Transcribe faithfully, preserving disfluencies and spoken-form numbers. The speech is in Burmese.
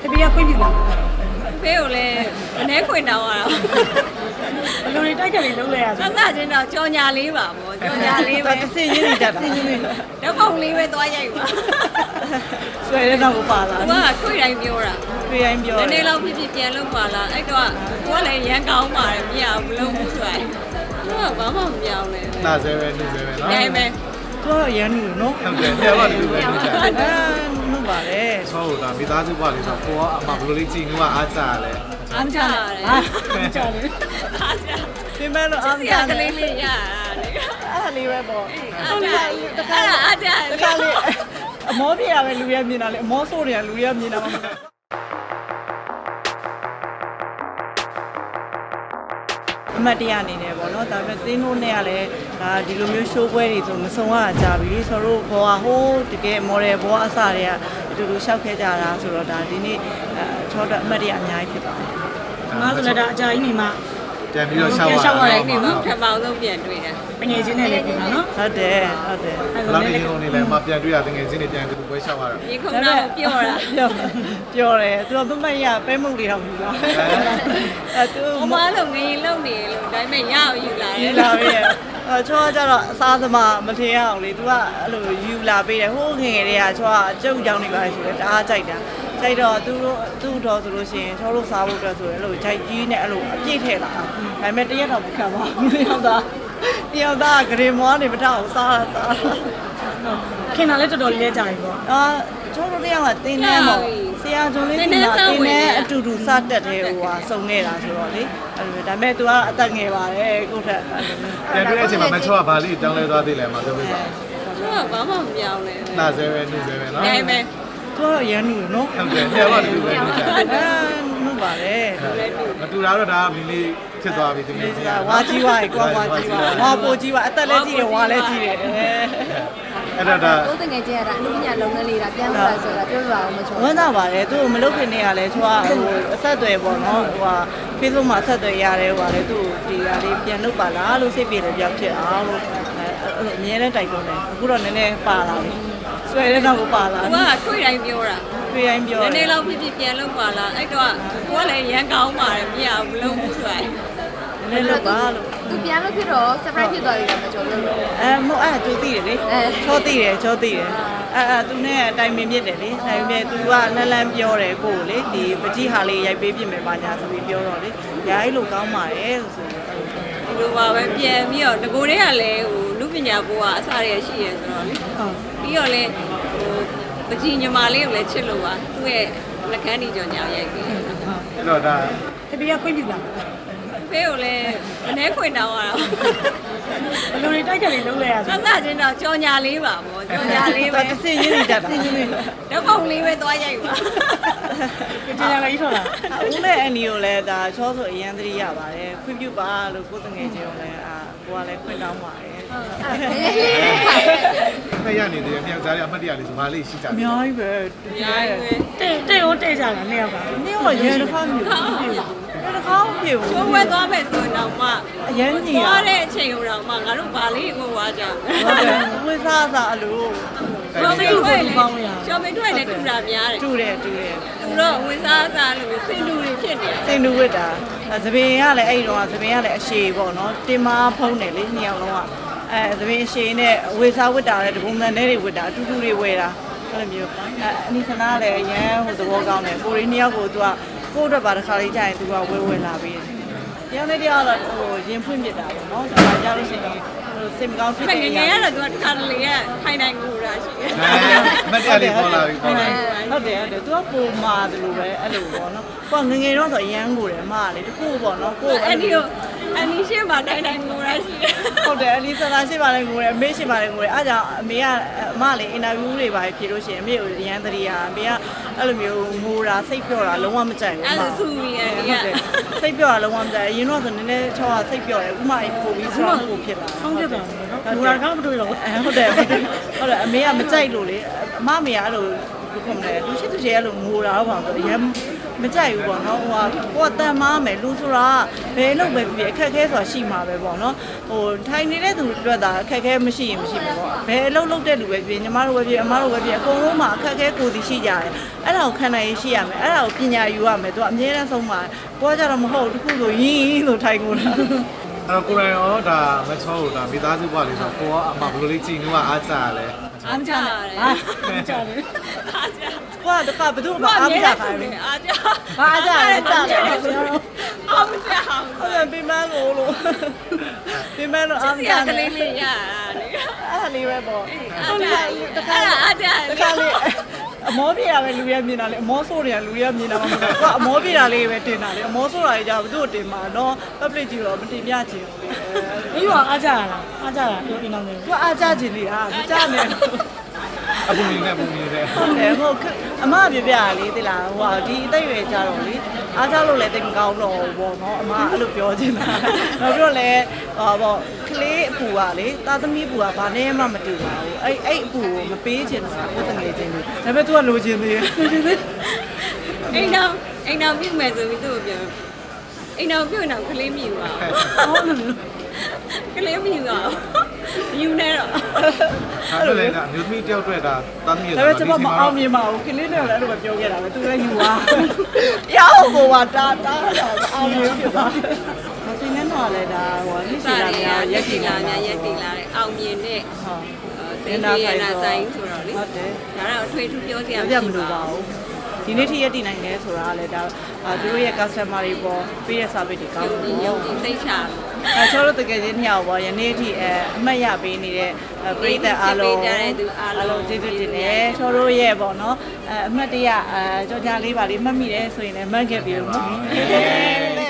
တပည့်ကခွင့်ပြုလားဖေးကိုလည်းအနေခွင်တောင်းရတာဘယ်လိုတွေတိုက်ကြလေးလုံးလဲရစသချင်းတော့ကြော်ညာလေးပါဗောကြော်ညာလေးပဲတစ်စင်ရင်းနေတတ်တာစင်ရင်းနေတော့ပုံလေးပဲသွားရိုက်ပါဆွဲတဲ့တော့ကိုပါလာသူကခွေတိုင်းပြောတာတွေ့တိုင်းပြောနည်းနည်းလောက်ဖြစ်ဖြစ်ပြန်လုပ်ပါလားအဲ့တော့ကိုကလည်းရန်ကောင်းပါတယ်မရဘူးမလုပ်ဘူးဆိုရင်သူကဘာမှမပြောင်းလဲနာဆဲပဲနှုတ်ဆဲပဲနော်ဒါပေမဲ့သူကတော့ရန်နေနော်ဟုတ်တယ်တရားပါတူပဲနှုတ်ချာအဲနှုတ်ပါလေဆောတာမိသားစုဘွားလေးဆိုကိုကအမဘလိုလေးကြည့်နေမှအားကြလဲအားချရတယ်အားကြလေးအားချပြင်မဲ့လို့အားမရရကနဲ့လေးလေးရတာလေအဲ့ဒါလေးပဲပေါ့အားချတခါအားချတခါလေးအမောပြရပဲလူရမြင်တာလေအမောဆိုးတယ်လူရမြင်တာမဟုတ်အမတ်တရအနေနဲ့ပေါ့နော်ဒါပေမဲ့သင်းတို့နဲ့ကလည်းဒါဒီလိုမျိုး show ပွဲတွေဆိုမစုံရကြပြီဆိုတော့ဘောကဟိုးတကယ် model ဘောအစတွေကအတူတူရှောက်ခဲ့ကြတာဆိုတော့ဒါဒီနေ့အဲချောတော့အမတ်တရအများကြီးဖြစ်ပါတယ်ငါဆိုလည်းဒါအကြာကြီးနေမှပြန်ပြီးတော့ရှောက်ရရှောက်ရတာတဲ့နေမှာပထမဆုံးပြန်တွေ့တယ်ပငယ်ချင်းနဲ့လည်းပြင်တာနော်ဟုတ်တယ်ဟုတ်တယ်ဘယ်လောက်နေရုံနေလဲမပြန်တွေ့ရတငယ်ချင်းတွေပြန်တူပွဲရှောက်ရတာဒီခုနကပြောတာပြောပြောတယ်သူကမမရပဲမှုတွေတော့ဘူးလားအဲသူဟိုမလို့ငရင်လုံနေလို့ဒါပေမဲ့ရအောင်ယူလာတယူယ်လာပြီအဲချောကြတော့အစားသမားမထင်အောင်လေသူကအဲ့လိုယူလာပေးတယ်ဟိုးငယ်ငယ်တွေကချောကကြုတ်ကြောင်နေပါလေဆိုတော့တအားကြိုက်တာကြိုက်တော့သူတို့သူ့တော်ဆိုလို့ရှိရင်ချောတို့စားဖို့အတွက်ဆိုရင်အဲ့လိုဂျိုက်ကြီးနဲ့အဲ့လိုအပြည့်ထည့်လာဒါပေမဲ့တရက်တော့မခံပါဘူးတယောက်သားတယောက်သားဂရေမွားနေမထအောင်စားတာစားခင်တာလည်းတော်တော်လေးလဲကြာပြီပေါ့အာချောတို့တယောက်ကတင်းနေပေါ့ဆရာကျော်လေးကတင်းနေအတူတူစတက်တယ်ဟိုဟာစုံနေတာဆိုတော့လေအဲ့လိုဒါပေမဲ့ तू ကအသက်ငယ်ပါတယ်ကိုထက်ပြန်တွေ့တဲ့အချိန်မှာမချောကဘာလေးတောင်းလဲသွားသေးလဲမပြောပြပါသူကဘာမှမပြောင်းလဲနာဆဲပဲနှုတ်ဆဲပဲနော်ဒါပေမဲ့သူကတော့ရန်နေနော်ဟုတ်တယ်တရားပါတူပဲနှုတ်ချာအဲနှုတ်ပါလေမတူတာတော့ဒါမီလေးဖြစ်သွားပြီတကယ်ချင်းဝါကြီးဝါကွာဝါကြီးဝါဝါပိုကြီးဝါအသက်လည်းကြီးတယ်ဝါလည်းကြီးတယ်အဲ့တော့ဒါကိုယ်တငယ်ချင်းရတာအမှုပညာလုပ်ငန်းလေးတာပြန်လာဆိုတာပြောပြပါဦးမချောဝမ်းသာပါတယ်သူ့ကိုမလုပ်ခင်နေရလဲသူကဟိုအဆက်အသွယ်ပေါ့နော်ဟိုဟာ Facebook မှာအဆက်အသွယ်ရတယ်ဟိုဟာလေသူ့ဒီဟာလေးပြန်လုပ်ပါလားလို့စိတ်ပြေတယ်ပြောဖြစ်အောင်လို့အဲအမြဲတမ်းတိုက်တွန်းတယ်အခုတော့နည်းနည်းပါလာပြီဆွဲတဲ့တော့ကိုပါလာသူကခွေတိုင်းပြောတာတွေ့တိုင်းပြောနည်းနည်းလောက်ဖြစ်ဖြစ်ပြန်လုပ်ပါလားအဲ့တော့ကိုကလည်းရန်ကောင်းပါတယ်မရဘူးမလုပ်ဘူးဆိုရင်နည်းနည်းလုပ်ပါလို့သူပြန်လို့ဖြစ်တော့ surprise ဖြစ်သွားပြီလားမချောလို့အဲမဟုတ်အဲ့သူသိတယ်လေချောသိတယ်ချောသိတယ်အဲအဲသူနဲ့အတိုင်ပင်မြစ်တယ်လေတိုင်ပင်သူကလန်းလန်းပြောတယ်ကိုကိုလေဒီပကြီးဟာလေးရိုက်ပေးပြင်မယ်ပါညာဆိုပြီးပြောတော့လေညာကြီးလို့ကောင်းပါတယ်ဆိုပြီးဒီလိုပါပဲပြန်ပြီးတော့ငကိုတွေကလည်းဟိုလူပညာဘိုးကအစားရရှိရဆိုတော့လေဟုတ်ပြီးတော့လည်းဟိုပကြီးညီမလေးကိုလည်းချစ်လို့ပါသူ့ရဲ့လက်ကမ်းဒီကြောင်ညာရိုက်ပြီးအဲ့တော့ဒါတပည့်ကခွင့်ပြုလားဖေးကိုလည်းအနေခွင်တောင်းရတာဘယ်လိုတွေတိုက်ကြလေးလုံးလဲရစသချင်းတော့ကြော်ညာလေးပါဗောကြော်ညာလေးပဲတစ်စင်ရင်းနေတတ်တာစင်ရင်းနေတော့ပုံလေးပဲသွားရိုက်ပါကျင်ရလေးထော်လားဦးနဲ့အန်ဒီကိုလည်းဒါချောဆိုအရန်သတိရပါတယ်ခွင့်ပြုပါလို့ကိုယ်တငယ်ချင်းကိုလည်းအာကိုကလည်းခွင့်တောင်းပါတယ်ဖက်ရနေတယ်မြောက်ကြားရအမှတ်တရလေးဆိုဘာလေးရှိကြအလဲများကြီးပဲအများကြီးပဲတဲ့တဲ့ရောတဲ့ကြတာနှစ်ယောက်ကနင်းကရန်တစ်ခါမျိုးပြည့်ရန်တစ်ခါမပြည့်ဘူးချိုးဝဲသွားမယ်ဆိုတော့မှအရန်ညီရသွားတဲ့အချိန်ဟိုတော့မှငါတို့ဗာလေးကိုဝါကြဟုတ်တယ်ဝိစားစားအလိုရှောင်းမထွက်လေရှောင်းမထွက်လေထူတာများတယ်တူတယ်တူတယ်သူတော့ဝင်းစားစားလို့စင်တူတွေဖြစ်နေတယ်စင်တူဝစ်တာသပင်ကလည်းအဲ့တော့သပင်ကလည်းအရှည်ပေါ့နော်တင်မာဖုံးတယ်လေနှစ်ယောက်လုံးကအဲသပင်အရှည်နဲ့ဝေစားဝစ်တာလည်းတပုံစံနဲ့တွေဝစ်တာအတူတူတွေဝယ်တာအဲ့လိုမျိုးအဲအနိသနာလည်းအရန်ဟိုသဘောကောင်းတယ်ကိုရင်းနှစ်ယောက်ကိုသူကကိုယ့်အတွက်ပါတစ်ခါလေးကြာရင်သူကဝဲဝဲလာပြီးတယ်တရားနဲ့တရားတော့ဟိုရင်ဖွင့်ပြတာပေါ့နော်ဒါကြလို့ရှိရင်ဟိုစိတ်မကောင်းဖြစ်ငတဲ့ယ်ငယ်ကတော့သူကတစ်ခါတလေကထိုင်တိုင်းကိုတာရှိတယ်အမှတ်တရလေးပေါ်လာပြီပေါ်လာပြီဟုတ်တယ်ဟုတ်တယ်သူကပုံမာတယ်လို့ပဲအဲ့လိုပေါ့နော်ကိုကငငယ်တော့ဆိုအရန်ကိုတယ်အမကလေတခုပေါ့နော်ကိုအန်ဒီကိုအန်ဒီရှင်းမှာထိုင်တိုင်းကိုတာရှိတယ်ဟုတ်တယ်အလီဆန္ဒရှိပါလေငိုတယ်အမေရှိပါလေငိုတယ်အားကြောင့်အမေကအမလေးအင်တာဗျူးတွေပါဖြေလို့ရှိရင်အမေကိုရန်တရီယာအမေကအဲ့လိုမျိုးငိုတာစိတ်ပြောတာလုံးဝမကြိုက်ဘူးအဲ့ဒါဆူမီအန်ဒီကစိတ်ပြောတာလုံးဝမကြိုက်အရင်တော့ဆိုနည်းနည်းချောတာစိတ်ပြောတယ်ဥမာပို့ပြီးဆိုတော့ပို့ဖြစ်လာဆောင်းပြတာနော်ဘူရာကောင်းမတွေ့တော့ဘူးအဲဟုတ်တယ်ဟုတ်တယ်ဟုတ်တယ်အမေကမကြိုက်လို့လေအမမေကအဲ့လိုဘယ်လိုခေါ်မလဲလူရှိသူရှိအဲ့လိုငိုတာတော့ပါဆိုရန်မကြိုက်ဘူးပေါ့နော်ဟိုကကိုကတန်မားမယ်လူဆိုတာဘယ်လို့ပဲဖြစ်အခက်ခဲဆိုတာရှိမှာပဲပေါ့နော်ဟိုထိုင်နေတဲ့သူတွေတာအခက်ခဲမရှိရင်မရှိဘူးပေါ့ဘယ်အလုပ်လုပ်တဲ့လူပဲဖြစ်ညီမတို့ပဲဖြစ်အမတို့ပဲဖြစ်အကုန်လုံးမှာအခက်ခဲကိုယ်စီရှိကြတယ်အဲ့ဒါကိုခံနိုင်ရရှိရမယ်အဲ့ဒါကိုပညာယူရမယ်သူကအမြဲတမ်းဆုံးမှာကိုကကြတော့မဟုတ်တခုဆိုရင်းဆိုထိုင်ကုန်တာအဲ့တော့ကိုရိုင်းရောဒါမချောလို့ဒါမိသားစုဘွားလေးဆိုကိုကအမဘယ်လိုလေးကြည့်နေမှအားကြရလဲအားကြတယ်အားကြတယ်အားကြကိုကတခါဘသူ့မှာအားမကြခိုင်းဘူးအားကြဘာအားကြလဲကြတယ်အားကြဟုတ်တယ်ပြမလို့လို့ပြမလို့အားမဒီကြကတယ်လေးလေးရလေအဲ့ဒါလေးပဲပေါ့အားကြတခါအားကြတခါလေးအမောပြေတာပဲလူရမြင်တာလေအမောဆိုးတယ်လူရမြင်တာမှမဟုတ်ဘူးကအမောပြေတာလေးပဲတင်တာလေအမောဆိုးတာကြီးじゃဘသူ့တင်မှာနော် public ကြီးတော့မတင်ပြချင်ဘူးလေ။ဒီကအားကြရလားအားကြတာပြောပြနေတယ်သူအားကြချင်လေအားမကြနဲ့အပူနေနဲ့ပူနေတဲ့ဟုတ်တယ်ဟုတ်အမပြပြရလေတိလားဟိုဒီအသက်ရွယ်ကြတော့လေအားကြလို့လည်းတိတ်မကောင်းတော့ဘူးပေါ့နော်အမအဲ့လိုပြောချင်တာနောက်ပြီးတော့လည်းဟောပေါ့ကလေးအပူကလေတာသမီးအပူကဘာနဲ့မှမတူပါဘူးအဲ့အဲ့အပူကိုမပေးချင်တာကိုတငယ်ချင်းတွေဒါပေမဲ့ तू ကလိုချင်သေးတယ်လိုချင်သေးအိမ်တော်အိမ်တော်ပြုတ်မယ်ဆိုပြီးသူ့ကိုပြောအိမ်တော်ပြုတ်တော့ကလေးမြူပါ။ဟုတ်တယ်ကလေးမြူတော့မြူနေတော့အဲ့လိုလေဒါမျိုးသမီးတယောက်တွေ့တာတမ်းမြေဒါပေမဲ့ကျွန်မမအောင်မြင်ပါဘူးကလေးနဲ့လည်းအဲ့လိုပဲပြောခဲ့တာပဲ तू လည်းယူသွားရောက်ကိုပါတာတာအောင်မြင်ဖြစ်သွားမစင်းနဲ့တော့လည်းဒါဟိုလိရှိလာများရက်ကြည်လာများရက်တည်လာတဲ့အောင်မြင်တဲ့ဟုတ်သိနေရနာဆိုင်ဆိုတော့လေဟုတ်တယ်ဒါတော့အထွေထူးပြောစရာပြမလို့ပါဘူးဒီနေ့ထိရက်တည်နိုင်တယ်ဆိုတာကလည်းဒါသူတို့ရဲ့ customer တွေပေါ်ပေးတဲ့ service တွေကောင်းတယ်ရုပ်ပေါ့ကြီးသိချာအဲကျွန်တော်တို့တကယ်ချင်းနှစ်ယောက်ပေါ့ယနေ့အထိအဲအမှတ်ရပေးနေတဲ့ပရိသတ်အားလုံးအားလုံးကျေးဇူးတင်တယ်ကျွန်တော်တို့ရဲ့ပေါ့နော်အဲအမှတ်တရအဲကြော်ညာလေးပါလေးမှတ်မိတယ်ဆိုရင်လည်းမှတ်ခဲ့ပြီလို့နော်